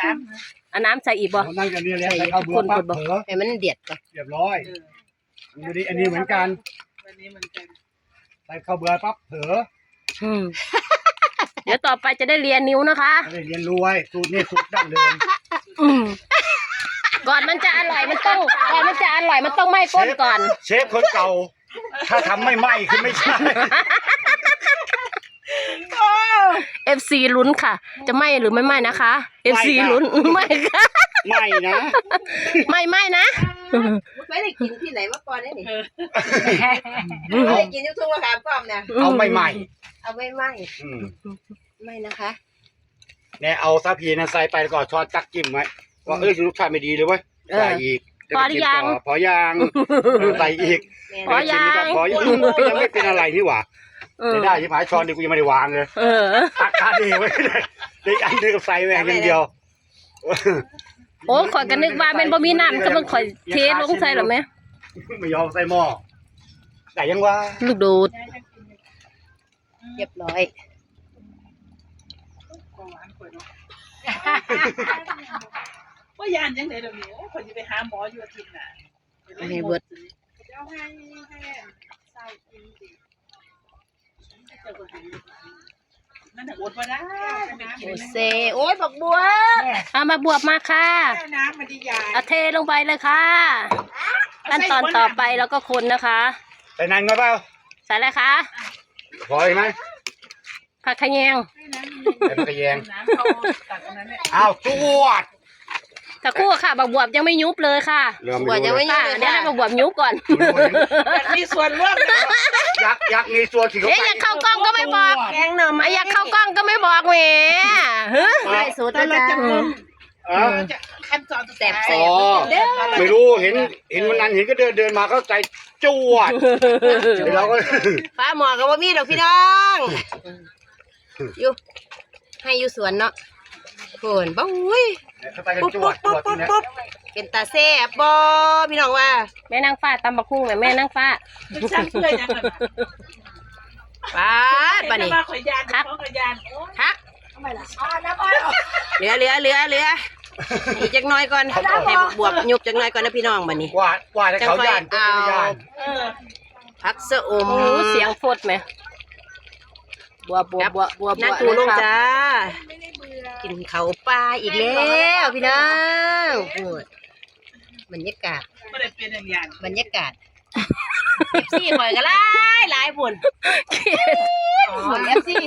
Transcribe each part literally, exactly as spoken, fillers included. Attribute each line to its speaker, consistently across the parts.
Speaker 1: อันน้ำใส่อีกบ่
Speaker 2: นั่งกันนี่แล้วใส่ข้าวเบื่อปั๊บเผลอ
Speaker 3: ให้มันเดือดก่อน
Speaker 2: เรียบร้อยอันนี้อันนี้เหมือนกันอันนี้เหมือนกันใส่ข้าวเบื่อปั๊บเผลอ
Speaker 1: เดี๋ยวต่อไปจะได้เรียนนิ้วนะคะ
Speaker 2: ได้เรียนรู้ไว้สูตรนี้สูตรดั้งเดิม
Speaker 1: ก่อนมันจะอร่อยมันต้องก่อนมันจะอร่อยมันต้องไหม้ก้นก่อน
Speaker 2: เชฟคนเก่าถ้าทำไม่ไหม้คือไม่ใช่
Speaker 1: เอฟซีลุ้นค่ะจะไหม้หรือไม่ไหม้นะคะเอฟซีลุ้นไม่ค่ะ
Speaker 2: ไม่นะ
Speaker 1: ไม่ไม่นะ
Speaker 3: ไม่ได้กินที่ไหนมาก่อนนี่ไม่ได้กินที่ทุ่งมะขามป้อมเนี่ย
Speaker 2: เอาไม่ไหม้
Speaker 3: เอาไม่ไหม้ไม่นะคะ
Speaker 2: เนี่ยเอาซาพีนะใส่ไปก่อนช้อนจักจิ้มไว้ว่าเอ้ยลูกชายไม่ดีเลยเว้ยใส่อีก
Speaker 1: พอหรือยัง
Speaker 2: พอยังใส่อีก
Speaker 1: พอยัง
Speaker 2: พอยังยังไม่เป็นอะไรนี่หว่าจะได้ที่ผายช้อนดิกูยังไม่ได้วางเลยตักคาดีไว้เลยได้อันนึงกับใส่แหวงอย่างเดียว
Speaker 1: โอ้ข่อยกันนึกว่ามันบ่มีน้ำก็มันข่อยเทลงใส่หรอไหม
Speaker 2: ไม่ยอมใส่หม้อแต่ยังว่า
Speaker 1: ลูกดูด
Speaker 3: เรียบร้อย
Speaker 4: ว่ายานยังไงเดี๋ยวนี้คนจะไปหาหมออยู่อาทิตย์น่ะ
Speaker 3: ให้เบิด
Speaker 4: เอาให้ให้ใส่กินดินั่นน่ะอดมาได้
Speaker 3: โอเซโอ้ยบักบัว
Speaker 1: เอามาบวบมาค่ะ
Speaker 4: น้ำมันดีใหญ่
Speaker 1: เอาเทลงไปเลยค่ะขั้นตอนต่อไปแล้วก็คนนะคะ
Speaker 2: ใส่นานไหมเปล่า
Speaker 1: ใส่อะไรคะ
Speaker 2: พอไหม
Speaker 1: ผักขะแยง
Speaker 2: ผักขะแยงอ้าวจวด
Speaker 1: ถ้าคู่ค่ะบักบวบยังไม่ยุบเลยค่ะ
Speaker 3: บวบยังไม่ยุบ
Speaker 1: เดี๋ยวให้บักบวบยุบก่อน
Speaker 4: มีส่วนร่วม
Speaker 2: ยักยักมีส่วนถึง
Speaker 1: เอ๊ะอยากเข้ากล้องก็ไม่บอก
Speaker 3: แกงหน่อไม้
Speaker 1: อยากเข้ากล้องก็ไม่บอกแหม
Speaker 3: ได้สูตรแล้วจ้ะ
Speaker 4: ขั้นตอน
Speaker 3: แสบแสบ
Speaker 2: ไม่รู้เห็นเห็นวันนั้นเห็นก็เดินเดินมาเขาใจจวดเราก็
Speaker 3: ป้าหมอกับว่ามีดอกพี่น้องอยู่ให้อยู่สวนเนาะโผล่บ้าอุ้ยปุ๊บปุ๊บปุ๊บปุ๊บปุ๊บเป็นตาแซ่บบ่พี่น้องว่า
Speaker 1: แม่นางฟ้าตำบักหุ่งแม่นางฟ้า
Speaker 3: ป้าป้านี่
Speaker 4: คัก
Speaker 3: คักเหลือเหลือเหลือเหลืออีกจักน้อยก่อนให้บวบยุบจักน้อยก่อนนะพี่น้องบัดนี้
Speaker 2: ว่าว่าให้เขาย่านเอา
Speaker 3: พักสะอม
Speaker 1: เสียงฟดไหมบัวบัวบัวบัว
Speaker 3: นั่งตูลงจ้ากินเขาปลาอีกแล้วพี่น้องบรรยากาศบรรยากาศเอฟซีหอยกันหลายหลายบุญบุญเอฟซี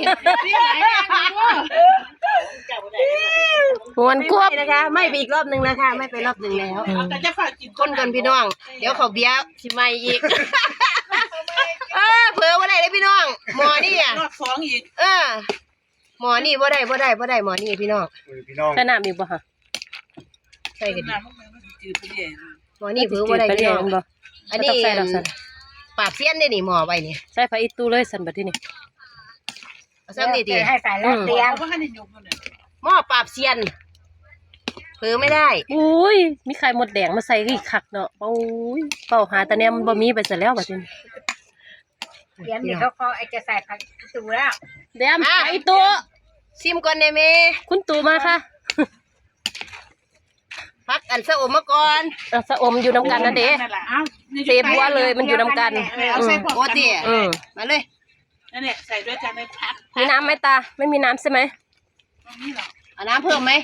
Speaker 1: หวนควบ
Speaker 3: นะคะไม่ไปอีกรอบหนึ่งนะคะไม่ไปรอบหนึ่งแล้วคนกันพี่น้องเดี๋ยวเขาเบี้ยชิมายอีกเออเผื่อว่าได้เลยพี่น้องหมอนี่อ่ะ
Speaker 4: รอบสองอีก
Speaker 3: เออหมอนี่ว่าได้ว่าได้ว่าได้หมอนี่พี่น้อง
Speaker 2: พี่น้อง
Speaker 1: ใส่น้ำอีกบ่ฮะ
Speaker 3: ใส่กันดิหมอนี่เผื่อว่าได้พี่น้องอันนี้ปราบเสี้ยนได้หนิหมอไว้นี่
Speaker 1: ใส่ผ้าอีตู้เลยสันบัดที่นี่
Speaker 3: ซ้ำดีดี
Speaker 4: ให้ใส่แล้วเตรียม
Speaker 3: หม้อปราบเสี้ยนเผื่อไม่ได้
Speaker 1: อุ้ยมีไข่มดแดงมาใส่อีกคักเนาะโอ้ยเป่าหาตาเนี่ยมันบ่มีไปซะแล้วบัดนี้
Speaker 4: เดี๋ยวนี่เขาเขาไอจะใส่ผักตูแล้ว
Speaker 1: เดี๋ยวไอตัว
Speaker 3: ซิมก่อนได้ไหม
Speaker 1: คุณตูมาค่ะ
Speaker 3: พักอันสะอมมาก่อน
Speaker 1: สะอมอยู่น้ำกันนะเด็เซบัวเลยมันอยู่น้ำกัน
Speaker 3: โอ้ตีมาเลย
Speaker 4: นั่นแหละใส่ด้วยกันในพัก
Speaker 1: มีน้ำไหมตาไม่มีน้ำใช่ไหม
Speaker 3: เอาน้ำเพิ่มไหม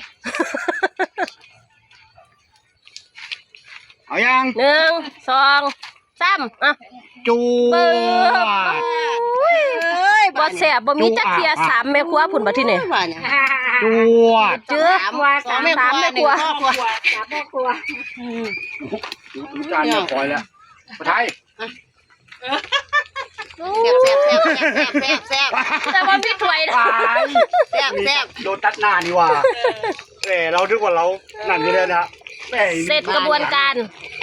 Speaker 2: เอายัง
Speaker 1: หนึ่งสองสามอ่ะ
Speaker 2: จู
Speaker 1: บอแสบบ่มีจักเทียสามแม่ครัวผุนมาที่ไหน
Speaker 2: จู
Speaker 1: เจื้อสามสามแม่ครัว
Speaker 4: สามแม่ครัว
Speaker 2: จานมาปล่อยแล้วมาไทย
Speaker 3: แซ่บแซ่บแซ่บแซ่บแซ่บ
Speaker 1: แต่ว่าพี่ถวยนะ
Speaker 3: แซ่บแซ่บ
Speaker 2: โดนตัดหน้านี่ว่าเออเราดึกว่าเรานั่นนี่เลยนะ
Speaker 1: เสร็จกระบวนการ